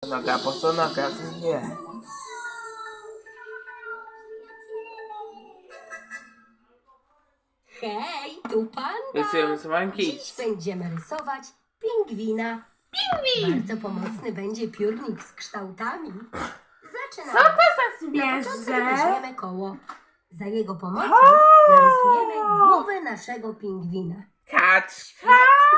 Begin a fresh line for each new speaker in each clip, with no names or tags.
Noga, bosonoga, nie.
Hej, tu Panda!
Rysujemy rysowanki.
Dziś będziemy rysować pingwina. Pingwin! Bardzo pomocny będzie piórnik z kształtami. Zaczynamy.
Co to za
Na początek
zwierzę?
weźmiemy koło. Za jego pomocą narysujemy głowę naszego pingwina.
Kaczka.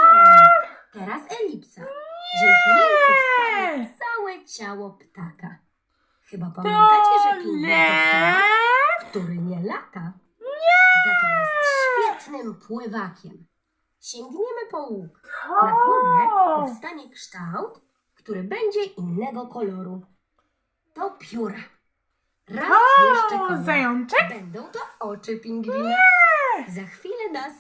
Teraz elipsa. Dzięki niej powstaje całe ciało ptaka. Chyba pamiętacie, że pingwin to ptak, który nie lata. Za to jest świetnym pływakiem. Sięgniemy po łuk. Na głowie powstanie kształt, który będzie innego koloru. To pióra. Raz jeszcze kolor.
Zajączek?
Będą to oczy pingwina. Za chwilę nas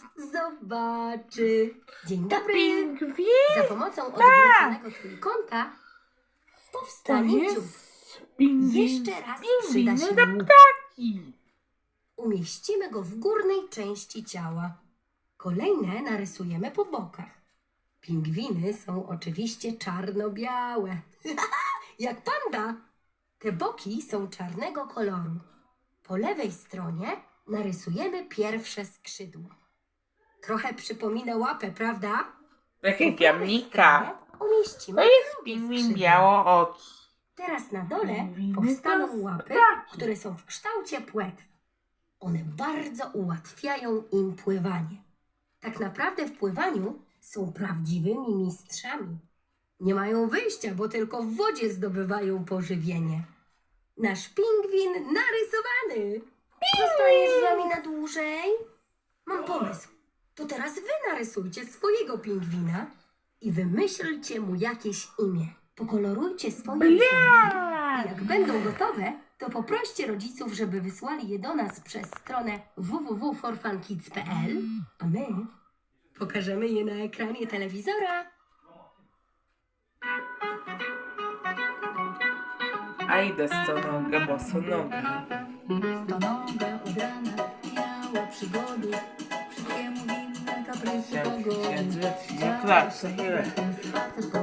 zobaczy. Dzień dobry.
Pingwin?
Za pomocą odwróconego trójkąta
To
powstanie dziób.
jest pingwin.
Jeszcze raz przyda
Pingwiny
się
do
łuk.
ptaki.
Umieścimy go w górnej części ciała. Kolejne narysujemy po bokach. Pingwiny są oczywiście czarno-białe. Jak panda. Te boki są czarnego koloru. Po lewej stronie narysujemy pierwsze skrzydło. Trochę przypomina łapę, prawda?
Takie
Po prawej
jamnika.
stronie umieścimy
To jest
drugie
pingwin
skrzydło.
białooki.
Teraz na dole
Pingwiny
powstaną
to
łapy,
ptaki.
które są w kształcie płetw. One bardzo ułatwiają im pływanie. Tak naprawdę w pływaniu są prawdziwymi mistrzami. Nie mają wyjścia, bo tylko w wodzie zdobywają pożywienie. Nasz pingwin narysowany. Zostajesz z nami na dłużej? Mam pomysł. To teraz wy narysujcie swojego pingwina i wymyślcie mu jakieś imię. Pokolorujcie swoje rysunki. I jak będą gotowe, to poproście rodziców, żeby wysłali je do nas przez stronę www.forfunkids.pl, a my pokażemy je na ekranie telewizora.
A idę stonoga, bosonoga.
Stonoga od rana miała przygody, wszystkiemu winne kaprysy pogody.
Siedzę, siedzę, klatce,
Ten spacer